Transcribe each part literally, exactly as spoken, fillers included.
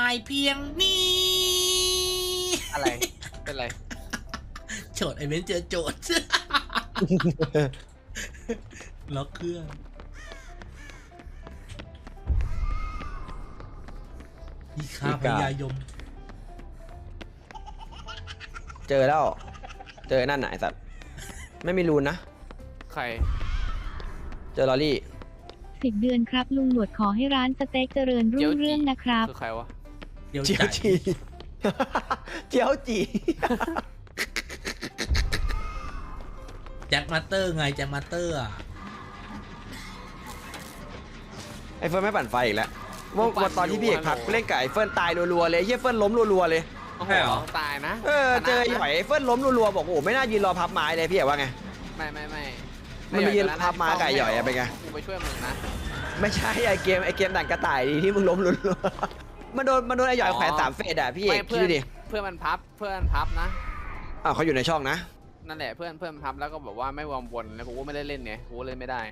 ายเพียงนี้อะไรเป็นไรโจทย์ไอเวนเจอโจทย์ ล็อกเครื่องอีคาพยายมเจอแล้วเจอนั่นไหนสัตว์ไม่มีรูนนะใครเจอลอรี่สิบเดือนครับลุงหนวดขอให้ร้านสเต็กเจริญรุ่งเรื่องนะครับคือใครวะเจียวจีเจียวจีแจ็คมาสเตอร์ไงแจ็คมาสเตอร์อ่ะไอเฟิร์นไม่ปั่นไฟอีกแล้ววันตอนที่พี่เอกพักเล่นกับไอเฟิร์นตายรัวๆเลยเฮียเฟิร์นล้มรัวๆเลยโอ้โหตายนะเออเจอหอยเฟิร์นล้มรัวๆบอกโอ้ไม่น่ายืนรอพับไม้เลยพี่เอกว่าไงไม่ไม่ไม่มันมียืนพับไม้ไก่หย่อยอะเป็นไงกูไปช่วยมึงนะไม่ใช่ไอเกมไอเกมด่านกระต่ายดีที่มึงล้มรัวๆมันโดนมันโดนไอหย่อยแขวนสามเฟสอะพี่เอกคิดดิเพื่อนมันพับเพื่อนพับนะอ้าวเขาอยู่ในช่องนะนั่นแหละเพื่อนเพื่อนพับแล้วก็บอกว่าไม่วอร์มวนแล้วกูก็ไม่ได้เล่นไงกูเล่นไม่ได้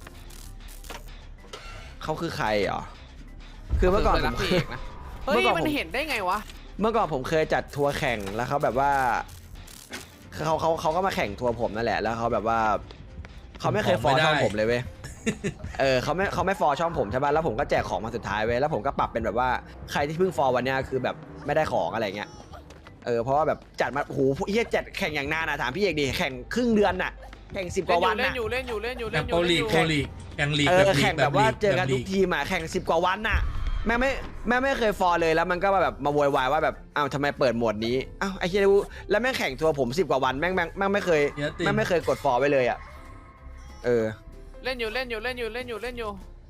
เขาคือใครเหรอคือเมื่อก่อนผมเคยนะเฮ้ยมันเห็นได้ไงวะเมื่อก่อนผมเคยจัดทัวร์แข่งแล้วเขาแบบว่าเขาเขาเขาก็มาแข่งทัวร์ผมนั่นแหละแล้วเขาแบบว่าเขาไม่เคยฟอร์ช่องผมเลยเว้ยเออเขาไม่เขาไม่ฟอร์ช่องผมใช่ป่ะแล้วผมก็แจกของมาสุดท้ายเว้ยแล้วผมก็ปรับเป็นแบบว่าใครที่เพิ่งฟอร์วันนี้คือแบบไม่ได้ของอะไรเงี้ยเออเพราะว่าแบบจัดมาโหเฮียจัดแข่งอย่างนานอะถามพี่เอกดิแข่งครึ่งเดือนน่ะแข่งสิบกว่าวันน่ะเล่นอยู่เล่นอยู่เล่นอยู่เล่นอยู่โปรลีกโปรลีกแข่งลีกเออแข่งแบบว่าเจอกันทุกทีมอะแข่งสิบกว่าวันน่ะแม่ไม่แม่ไม่เคยฟอร์เลยแล้วมันก็แบบมาโวยวายว่าแบบอ้าวทำไมเปิดโหมดนี้อ้าวไอ้เหี้ยแล้วแม่งแข่งทัวร์ผมสิบกว่าวันแม่งแม่งแม่งไม่เคยแม่งไม่เคยกดฟอร์ไว้เลยอะเออเล่นอยู่เล่นอยู่เล่นอยู่เล่นอยู่เล่นอยู่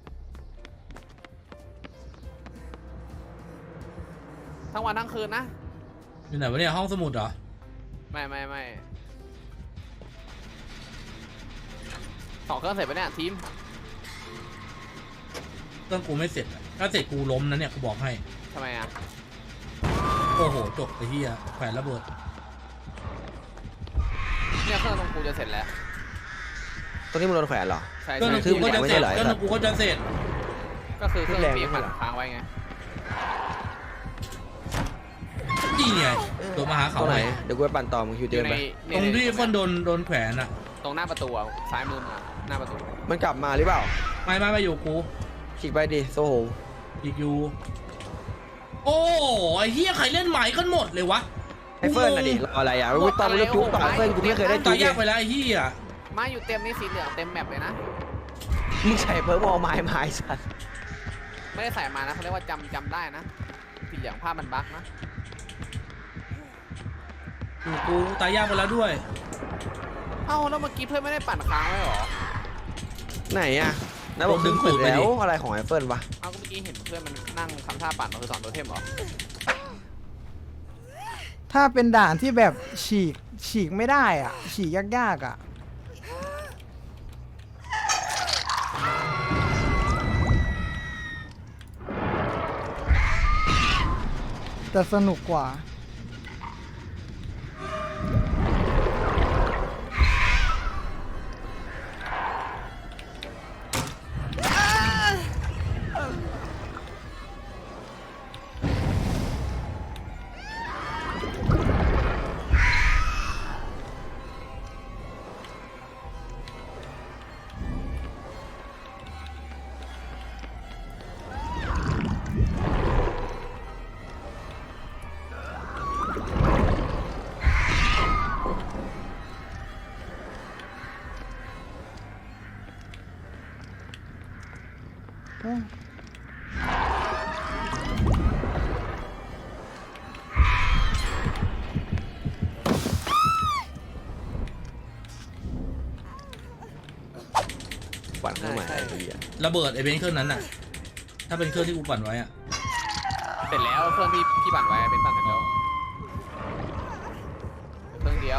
ทั้งวันทั้งคืนนะอยู่ไหนวะเนี่ยห้องสมุดเหรอไม่ไม่ไม่สองเครื่องเสร็จไปเนี่ยทีมเครื่องกูไม่เสร็จถ้าเสร็จกูล้มนะเนี่ยกูบอกให้ทำไมอ่ะโอ้โหจบไอ้เหี้ยแขวนระเบิดเนี่ยเครื่องตรงกูจะเสร็จแล้วตรงนี้มึงโดนแขวนเหรอใช่เครื่องตรงกูก็จะเสร็จเครื่องตรงกูก็จะเสร็จก็คือเครื่องปีกมันค้างไว้ไงนี่ไงตัวมาหาเขาไหนเดี๋ยวกูไปปั่นต่อมึงคิวเจอไหมตรงที่เฟิร์นโดนโดนแขวนอะตรงหน้าประตูซ้ายมือมาหน้าประตูมันกลับมาหรือเปล่าไม่ไม่ไม่อยู่กูฉีกไปดิโซโหอีกอยู่โอ้ไอ้เหี้ยใครเล่นใหม่กันหมดเลยวะไอ้เฟิร์นน่ะดิรออะไรอ่ะกูตอนเลือกจุ๊บต่อเฟิร์นกูไม่เคยได้จุ๊บตายยากไปแล้วไอ้เหี้ยมาอยู่เต็มนี่สีเหลืองเต็มแมปเลยนะมึงใส่เพิ่มมอไม้ไม้สัตว์ไม่ได้ใส่มานะเขาเรียกว่าจำจำได้นะสีเหลืองภาพมันบั๊กนะกูตายยากไปแล้วด้วยเอ้าแล้วเมื่อกี้เพื่อนไม่ได้ปั่นค้างไว้หรอไหนอ่ะนะบอกดึงขุดแล้วอะไรของไอเฟิร์นวะเอ้าก็เมื่อกี้เห็นเพื่อนมันนั่งทำท่าปั่นคือสอนตัวเทมหรอถ้าเป็นด่านที่แบบฉีกฉีกไม่ได้อ่ะฉีกยากๆอ่ะแต่สนุกกว่าปั่นเครื่องใหม่ระเบิดไอเบนเครื่องนั้นน่ะถ้าเป็นเครื่องที่กูปั่นไว้อะเสร็จแล้วเครื่องที่พี่ปั่นไว้เป็นปั่นเสร็จแล้วเครื่องเดียว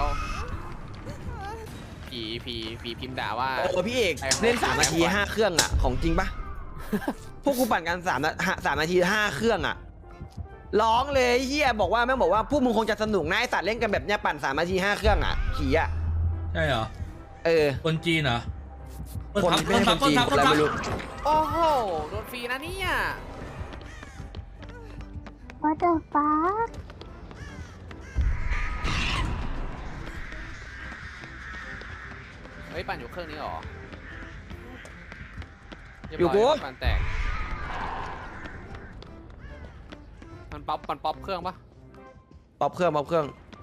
ผีผีผีพิมพ์ด่าว่าโอ้พี่เอกเล่นสามนาทีห้าเครื่องอ่ะของจริงปะพวกกูปั่นกันสามสามนาทีห้าเครื่องอ่ะร้องเลยเฮียบอกว่าแม่บอกว่าพวกมึงคงจะสนุกนะไอสัตว์เล่นกันแบบเนี้ยปั่นสามนาทีห้าเครื่องอ่ะผีอ่ะใช่เหรอเออคนจีนเหรอคนไม่ใช่คนจีนอะไรไม่รู้โอ้โหโดนฟรีนะเนี่ย What the fuck เฮ้ยปั่นอยู่เครื่องนี้เหรออยู่กูเรีบร้ปั่นแตกมันป๊อปมันป๊อปเครื่องปะป๊อปเครื่องป๊อปเครื่อง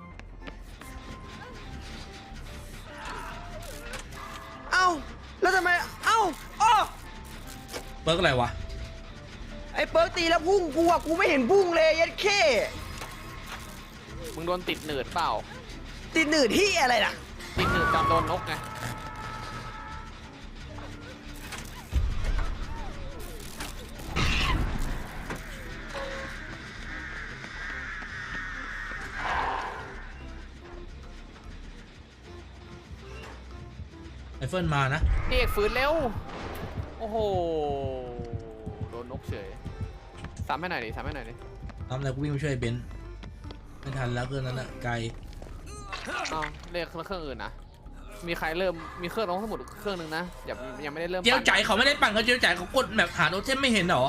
เอ้าแล้วทำไมเอ้าอ้อเบิร์กอะไรวะไอ้เปิร์กตีแล้วพุ่งกูอะกูไม่เห็นพุ่งเลยยัดเข้มึงโดนติดหนืดเปล่าติดหนืดที่อะไรน่ะติดหนืดจำโดนนกไงไอเฟิลมานะพี่เอกฟื้นเร็ว โอ้โห โดนนกเฉยซ้ำให้หน่อยดิซ้ำให้หน่อยดิทำอะไรกูวิ่งไปช่วยไอ้เบนซ์ไม่ทันแล้วเครื่องนั้นอะไกลอ้าวเรียกเครื่องอื่นนะ มีใครเริ่ม มีเครื่องน้องสมุดเครื่องหนึงนะอย่ายังไม่ได้เริ่มเจียวปั่นใจายเขาไม่ได้ปั่นเขาเจียวใจายเขากดแบบหาโนเทมไม่เห็นเหรอ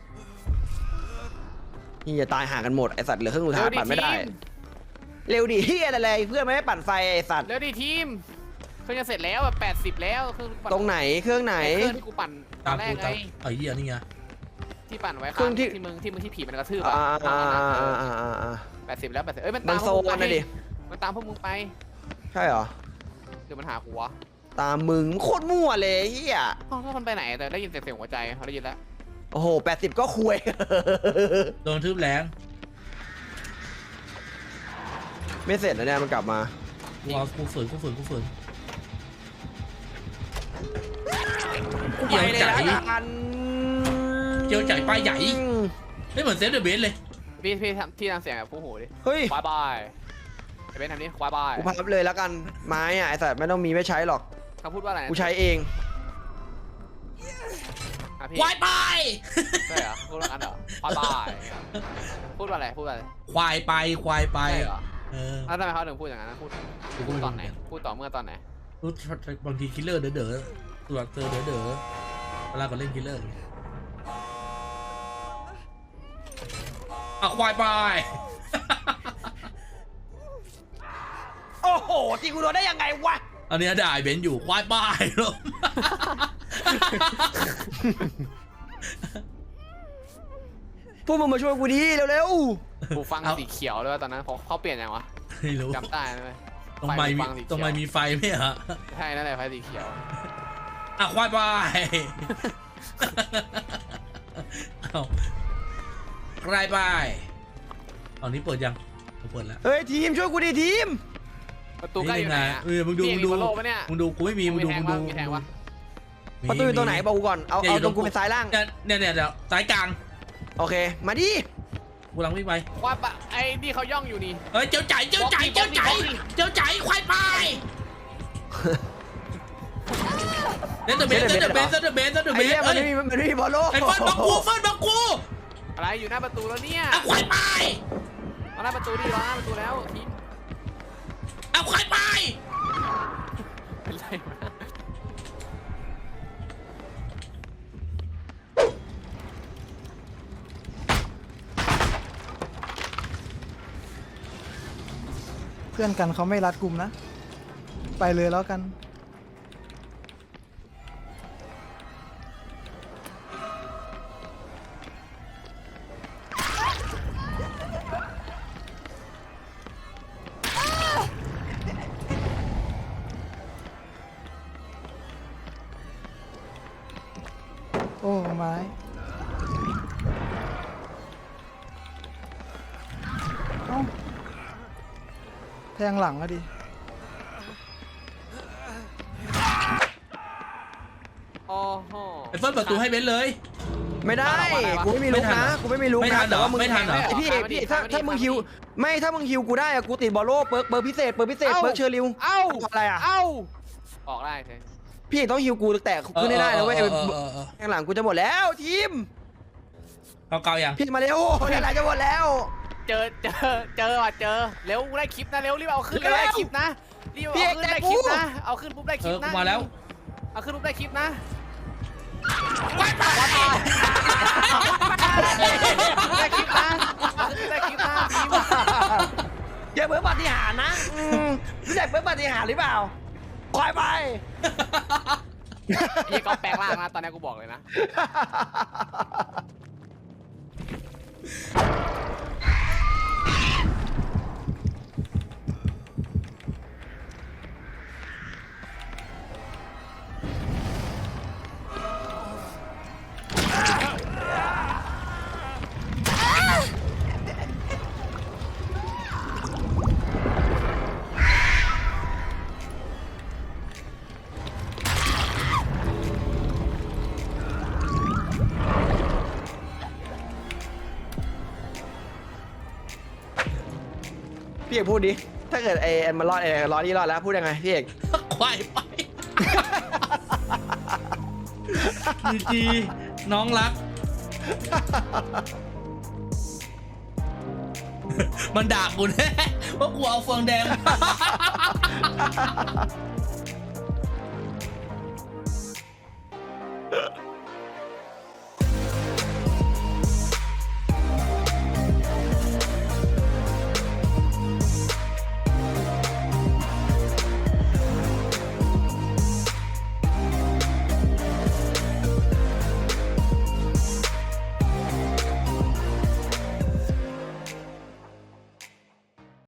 นี่จะตายห่างกันหมดไอสัตว์เหลือเครื่องสุดท้ายเร็วดิปั่นไม่ได้ทีมเร็วดิเฮียอะไรเพื่อนไม่ได้ปั่นไฟไอสัตว์เร็วดิทีม เครื่องจะเสร็จแล้วแบบแปดสิบแล้วเครื่องปั่นตรงไหนเครื่องไหนไอ้เครื่องที่กูปั่นตตาอมนแรกูกไงตามไอ้เหี้ยนี่ไงที่ปั่นไว้เครื่ข้าอง งที่ที่มึงที่มึงที่ผีมันกระทืบอ่าอ่ะอ่าอ่าอ่าอ่าอ่าแปดสิบแล้วแปดสิบเอ้ยมันมัตาน มพโซวกมึงนไปนะดิมันตามพวกมึงไปใช่เหรอเดี๋ยวมันหากูวะตามมึงโคตรมั่วเลยเฮียอ้าวแล้วมันไปไหนแต่ได้ยินเสียงหัวใจเขาได้ยินแล้วโอ้โหแปดสิบก็คุยโดนทืบแรงไม่เสร็จนะเนี่ยมันกลับมากูเอากูฝืนกูฝืนกูฝืนกูไปเลยละกันเจียวใจายป้ายใหญ่ไม่เหมือนเซฟเดอะเบนซ์เลยพี่พี่ทำที่ทำเสียงแบบผู้หูดิเฮ้ยควายบายไอ้เบนทำนี่ควายบายกูพับเลยแล้วกันไม้อะไอสัตว์ไม่ต้องมีไม่ใช้หรอกเขาพูดว่าอะไรนะกูใช้เองอ่ะพี่ควายไปใช่เหรอพูดว่างั้นเหรอควายบายพูดว่าอะไรพูดว่าอะไรควายไปควายไปใช่เหรอเออแล้วทำไมเขาถึงพูดอย่างนั้นนะพูดกูก็พูดไม่ตรู้อนไหนพูดต่อเมื่อตอนไหนรู้บางทีคิลเลอร์เด๋อเด๋อตัวเจอเด๋อเด๋อเวลาก็เล่นคิลเลอร์อ่ะควายไปโอ้โหตีกูโดนได้ยังไงวะอันเนี้ยด่าไอ้เบนซ์อยู่ควายไปลมพวกมึงมาช่วยกูดีเร็วกูฟังสีเขียวด้วยตอนนั้นเขาเขาเปลี่ยนยังวะไม่รู้จำได้ไหมตรงไม้มีฟังสีเขียวตรงไม้มีไฟไหมฮะใช่นั่นแหละไฟสีเขียวอ่ะควายไปเอาควายไปตอนนี้เปิดยังเปิดแล้วๆเฮ้ยทีมช่วยกูดีทีมประตูใกล้อยู่ไหนอะเออมึงดูมึงดูพี่เอกมีบอลโลกปะเนี่ยมึงดูกูไม่มีมึงดูมีมึงแทดูงวะมีแทงวะมีประตูอยู่ตรงไหนบอกกูก่อนเอานี่ยเอายู่ตรงกูเป็นซ้ายล่างเนี่ยเนี่ยเนี่ยเดี๋ยวซ้ายกลางโอเคมาดิกูกำลังวิ่งไปควายปะไอ้นี่เขาย่องอยู่นี่เฮ้ยเจ้าใจเจ้าใจเจ้าใจเจ้าใจควายไปเล่นเดอะเบสเล่นเดอะเบสเล่นเดอะเบสเล่นเดอะไอ้เบสเนี่ยมันเอ้ยไม่มีมันไม่มีบอลโลกไอ้เฟิร์นบักกูเฟิร์นบักกูอะไรอยู่หน้าประตูแล้วเนี่ยเอาควายไปรอหน้าประตูดิรอหน้าประตูแล้วทีมเอาควายไปเป็นไรวะเพื่อนกันเขาไม่รัดกลุ่มนะ ไปเลยแล้วกัน โอ้ไม้เอ้าแทงหลังอะดิโอ้โหไอ้เฟิร์นเปิดประตูให้เบนซ์เลยไม่ได้กูไม่มีลุกนะกูไม่มีลุกไม่ทันะนเหรอแต่ว่ามึงไม่ทันเหรอไอพี่เอกพี่ถ้าถ้ามึงฮิวไม่ถ้ามึงฮิวกูได้อะกูติดบอลโลกเปิร์กเปิร์กพิเศษเปิร์กพิเศษเปิร์กเชอร์ริวเอ้าอะไรอะเอ้าออกได้ใช่พี่เอกต้องฮิวกูแต่ขึ้นไม่ได้นะเว้ยเออเออเออเออข้างหลังกูจะหมดแล้วทีมเกาเกายังพี่มาเร็วข้างหลังจะหมดแล้วเจอเจอเจอว่ะเจอเร็วได้คลิปนะเร็วรีบเอาขึ้นเร็วได้คลิปนะรีบเอาขึ้นได้คลิปนะเอาขึ้นปุ๊บได้คเอลิปอกูนะมาแล้วเอาขึ้นปุ๊บได้คลิปนะควายไปได้คลิปนะอย่าเพิ่งปาฏิหาริย์นะอืมรู้จักเพิ่งปาฏิหาริย์หรือเปล่าคอยไปไอ้ก็แปลงร่างนะตอนนี้กูบอกเลยนะพี่เอกพูดดิ ถ้าเกิดไอ้แอนมันรอดไอ้รอดนี่รอดแล้วพูดยังไงพี่เอกควายไปจีจีน้องรัก มันด่ากูแน่ว่ากูเอาเฟืองแดง